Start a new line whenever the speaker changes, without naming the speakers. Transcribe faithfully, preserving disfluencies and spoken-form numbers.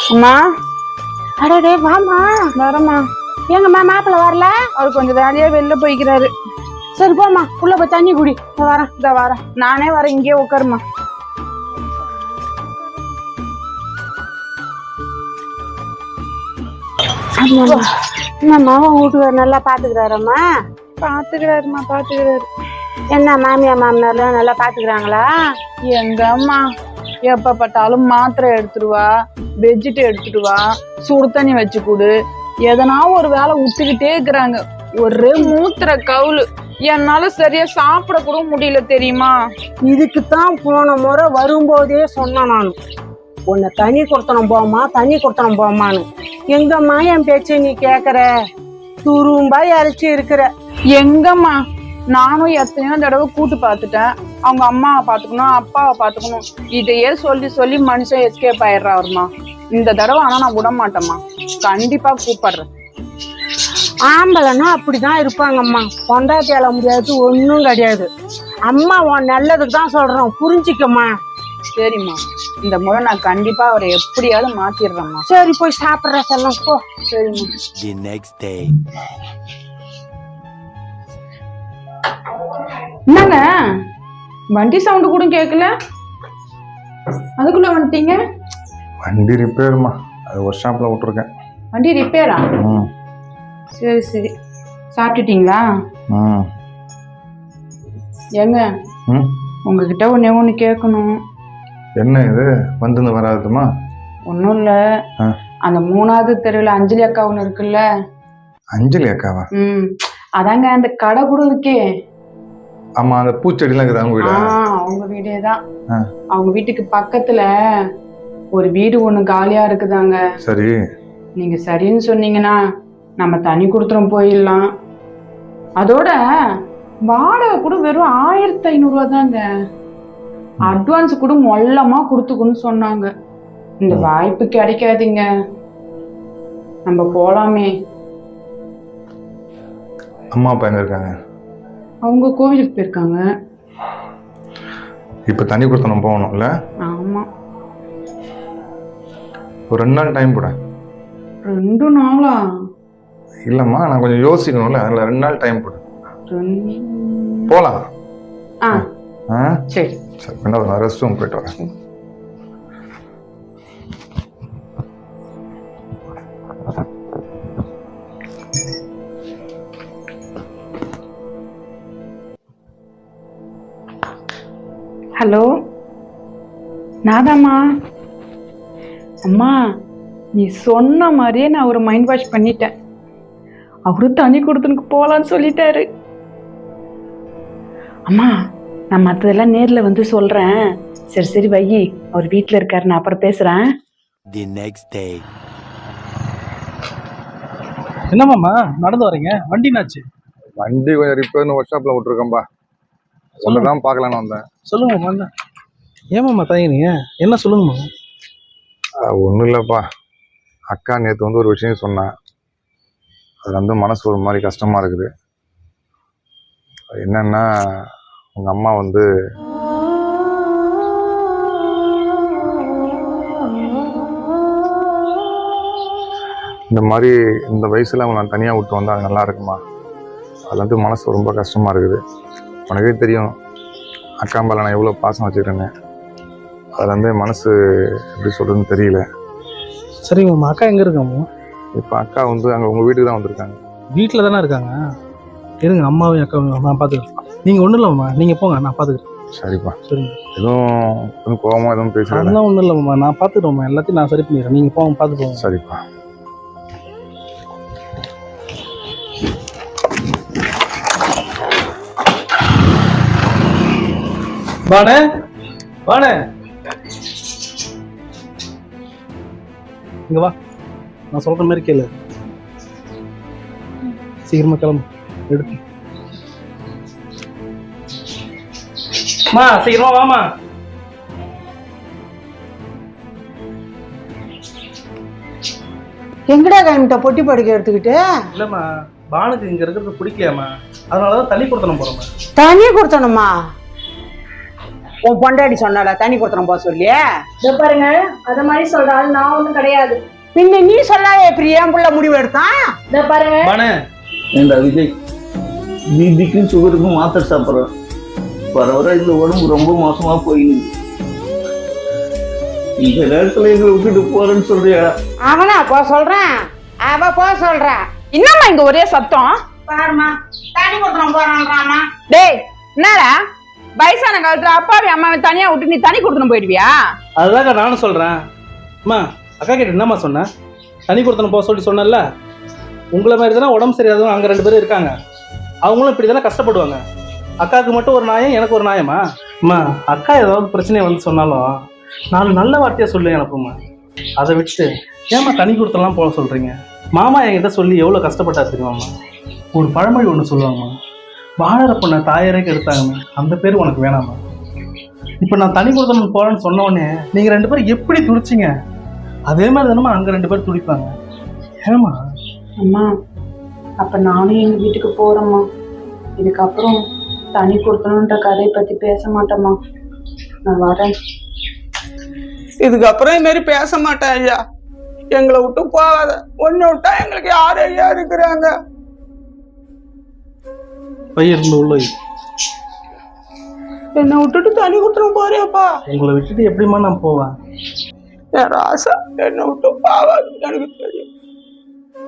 அம்மா
அடடே வாமா.
வரமா.
எங்கம்மா மாப்பிள்ள வரல?
அவர் கொஞ்சம் வேலையா வெளில போய்க்கிறாரு.
சரி போமா, உள்ள போய் தண்ணி குடி. வரேன்
இந்த வரேன், நானே வரேன், இங்கே உட்காருமா.
என்னம்மா உன் வீட்டுக்காரர் நல்லா பாத்துக்கிறாரம்மா?
பாத்துக்கிறாருமா பாத்துக்கிறாரு.
என்ன மாமியா மாமனார்லாம் நல்லா பாத்துக்கிறாங்களா?
எங்க அம்மா எப்ப பார்த்தாலும் மாத்திரை எடுத்துடுவா, பெட்ஷீட் எடுத்துடுவா, சுடு தண்ணி வச்சு கொடு, எதனா ஒரு வேலை விட்டுக்கிட்டே இருக்கிறாங்க. ஒரே மூத்திர கவுளு. என்னால சரியா சாப்பிட கூட முடியல தெரியுமா?
இதுக்குத்தான் போன முறை வரும்போதே சொன்னேன் நான், உன்னை தண்ணி கொடுத்தனம் போமா தண்ணி கொடுத்தனம் போமான்னு. எங்கம்மா என் பேச்சை நீ கேக்குற? துரும்பா இறைச்சி இருக்கிற.
எங்கம்மா நானும் எத்தனையோ தடவை கூட்டு பார்த்துட்டேன். அவங்க அம்மாவை பாத்துக்கணும், அப்பாவை பாத்துக்கணும், இதையே சொல்லி சொல்லி மனுஷன் எஸ்கேப் ஆயிடுறாருமா. இந்த தடவை ஆனா நான் விட மாட்டேம்மா, கண்டிப்பா கூப்பிடுறேன்.
ஆம்பளைன்னா அப்படிதான் இருப்பாங்கம்மா. பொண்டாட்டி அழ முடியாது, ஒன்னும் கிடையாது. அம்மா உன் நல்லதுக்கு தான் சொல்றோம், புரிஞ்சிக்கம்மா.
சரிம்மா, இந்த முறை நான் கண்டிப்பா அவரை எப்படியாவது மாத்திடுறேம்மா.
சரி போய் சாப்பிடுற செல்லம் போ.
சரிம்மா. என்னங்க வண்டி சவுண்டு கூட கேட்கல, அதுக்குள்ள வந்துட்டீங்க?
வண்டி ரிப்பேருமா, அது ஒர்க் ஷாப்ல விட்டுருக்கேன்.
வண்டி ரிப்பேரா? சரி சரி. சாப்பிட்டுட்டீங்களா? ஏங்க உங்ககிட்ட ஒன்னே ஒண்ணு கேட்கணும்.
என்ன இது வந்து வராதுமா?
ஒன்றும் இல்லை, அந்த மூணாவது தெருவில் அஞ்சலி அக்கா ஒன்று இருக்குல்ல.
அஞ்சலி அக்காவா?
ம் அதாங்க அந்த கடை கூட இருக்கே.
ஆமா, அந்த பூச்செடிலாம் இருக்குது அவங்க வீடு.
அவங்க வீடே தான். அவங்க வீட்டுக்கு பக்கத்துல ஒரு வீடு ஒண்ணு காலியா இருக்குதாங்க.
சரி,
நீங்க சரின்னு சொன்னீங்கன்னா நம்ம தனி கொடுத்துரும் போயிடலாம். அதோட வாடகை கூட வெறும் ஆயிரத்தி ஐநூறு ரூபா தாங்க. அட்வான்ஸ் கூட மொல்லமா கொடுத்துக்குன்னு சொன்னாங்க. இந்த வாய்ப்பு கிடைக்காதுங்க, நம்ம போலாமே.
அம்மா அப்பா எங்க இருக்காங்க?
அவங்க கோவிலுக்கு போயிருக்காங்க.
இப்ப தண்ணி கொடுத்து நம்ம போகணும்ல?
ஆமா.
ஒரு ரெண்டு நாள் டைம் போட.
ரெண்டு நாளா?
இல்லம்மா, நான் கொஞ்சம் யோசிக்கணும்ல, அதுல ரெண்டு நாள் டைம் போடு. போலாம். ஆ சரி சரி. என்ன ஒரு ரெஸ்ட் ரூம் போயிட்டு வரேன்.
ஹலோ, நாதாம்மா. அம்மா நீ சொன்ன மாதிரியே நான் ஒரு மைண்ட் வாஷ் பண்ணிட்டேன். அவரு தண்ணி கொடுத்துனுக்கு போகலான்னு சொல்லிட்டாரு. அம்மா நான் மற்றதெல்லாம் நேரில் வந்து சொல்கிறேன். சரி சரி வை, அவர் வீட்டில் இருக்காரு, நான் அப்புறம் பேசுகிறேன்.
The next day.
என்னமாம்மா நடந்து வரீங்க? வண்டி என்னாச்சு?
வண்டி கொஞ்சம் ரிப்பேர்னு ஒர்க் ஷாப்ல விட்டுருக்கேன்பா, சொல்லதான் பார்க்கலான்னு வந்தேன்.
சொல்லுங்கம்மா. ஏமாம்மா தயங்குனீங்க? என்ன சொல்லுங்கம்மா.
ஒன்றும் இல்லைப்பா, அக்கா நேற்று வந்து ஒரு விஷயம் சொன்னேன், அது வந்து மனசு ஒரு மாதிரி கஷ்டமாக இருக்குது. என்னன்னா, உங்கள் அம்மா வந்து இந்த மாதிரி இந்த வயசில் அவங்க நான் தனியாக விட்டு வந்தால் அது நல்லா இருக்குமா? அது வந்து மனசு ரொம்ப கஷ்டமாக இருக்குது. உனக்கே தெரியும் அக்கா மேலே நான் எவ்வளோ பாசம் வச்சுக்கிறேன்னு. அதில் வந்து மனசு எப்படி சொல்கிறதுன்னு தெரியல.
சரிங்கம்மா, அக்கா எங்கே இருக்காம்மா?
இப்போ அக்கா வந்து அங்கே உங்கள் வீட்டுக்கு தான் வந்திருக்காங்க.
வீட்டில் தானே இருக்காங்க? இருங்க, அம்மாவையும் அக்காவையும் நான் பார்த்துக்கிறேன். நீங்கள் ஒன்றும் இல்லைம்மா, நீங்கள் போங்க, நான் பார்த்துக்கிறேன்.
சரிப்பா.
சரிங்க.
எதுவும் எதுவும் கோவமாக எதுவும் பேசுகிறேன்?
அதெல்லாம் ஒன்றும் இல்லைம்மா, நான் பார்த்துக்கிறோம்மா, எல்லாத்தையும் நான் சரி பண்ணிடுறேன். நீங்கள் போங்க, பார்த்து போங்க.
சரிப்பா.
வாணே வாணே, இங்க வா, நான் சொல்ற மாதிரி கேளு. சீக்கிரமா கிளம்பு, எடுத்து மா, சீக்கிரமா வாமா.
எங்கடா கிளம்பிட்ட பொட்டி படுக்க எடுத்துக்கிட்டு?
இல்லம்மா, பானுக்கு இங்க இருக்கிறது பிடிக்கலையாம்மா, அதனாலதான் தண்ணி கொடுத்தனும் போறோம்மா.
தண்ணி கொடுத்தணுமா? உன் பொண்டாடி சொன்னால தண்ணி கொடுத்துறோம் போக சொல்லி.
இதோ பாருங்க, அத மாதிரி சொல்ற ஆள் நான் ஒண்ணும் கிடையாது.
பின்ன நீ சொல்லாத எப்படி என் புள்ள முடிவு எடுத்தான்?
இதோ பாருங்க,
மனு
ஏண்டா விஜய், பிபிக்கும் சுகருக்கும் மாத்திரை சாப்பிட்றேன். வர வர இந்த உடம்பு ரொம்ப மோசமா போயிடுது. இந்த நேரத்துல எங்களை விட்டுட்டு போறேன்னு சொல்றியா?
அவனா போ சொல்றேன், அவ போ சொல்றா.
என்னம்மா இங்க ஒரே சத்தம்?
பாருமா தண்ணி கொடுத்துறோம் போறான்றாமா.
டேய் என்னடா வயசான காலத்துல அப்பாவி அம்மாவை தனியா விட்டு நீ தண்ணி கொடுத்துன்னு போயிடுவியா?
அதுதாங்க நானும் சொல்றேன். அம்மா அக்கா கிட்ட என்னம்மா சொன்னேன்? தண்ணி கொடுத்தன போக சொல்லி சொன்னேன்ல. உங்களை மாதிரி தானே உடம்பு சரியாதவங்க அங்கே ரெண்டு பேரும் இருக்காங்க. அவங்களும் இப்படி தானே கஷ்டப்படுவாங்க. அக்காவுக்கு மட்டும் ஒரு நியாயம், எனக்கு ஒரு நியாயமா? அம்மா அக்கா ஏதாவது பிரச்சனையை வந்து சொன்னாலும் நாலு நல்ல வார்த்தையாக சொல்லி அனுப்புமா. அதை விட்டு ஏம்மா தண்ணி கொடுத்தலாம் போக சொல்கிறீங்க? மாமா என்கிட்ட சொல்லி எவ்வளோ கஷ்டப்பட்டா தெரியுமாம்மா. ஒரு பழமொழி ஒன்று சொல்லுவாங்கம்மா, வாழற பொண்ணை தாயரைக்கு எடுத்தாங்கம்மா, அந்த பேர் உனக்கு வேணாமா? இப்போ நான் தண்ணி கொடுத்தணும் போகிறேன்னு சொன்ன உடனே நீங்கள் ரெண்டு பேரும் எப்படி துடிச்சிங்க? அதே மாதிரி தானம்மா அங்கே ரெண்டு பேரும் துடிப்பாங்க. ஏமா
அம்மா அப்ப நானும் எங்க வீட்டுக்கு போறேம்மா. இதுக்கப்புறம் தண்ணி கொடுக்கணுன்ற கதையை பத்தி பேச மாட்டேம்மா. நான் வரேன்.
இதுக்கப்புறம் இது மாதிரி பேச மாட்டேன் ஐயா. எங்களை விட்டு போகாத. ஒன்னு விட்டா எங்களுக்கு யார் ஐயா இருக்கிறாங்க?
பையிருந்து உள்ள
என்னை விட்டுட்டு தண்ணி கொடுத்துரும் போறியாப்பா?
உங்களை விட்டுட்டு எப்படிம்மா நான் போவேன்?
என் ராசா என்னை விட்டு போகாது எனக்கு தெரியும்.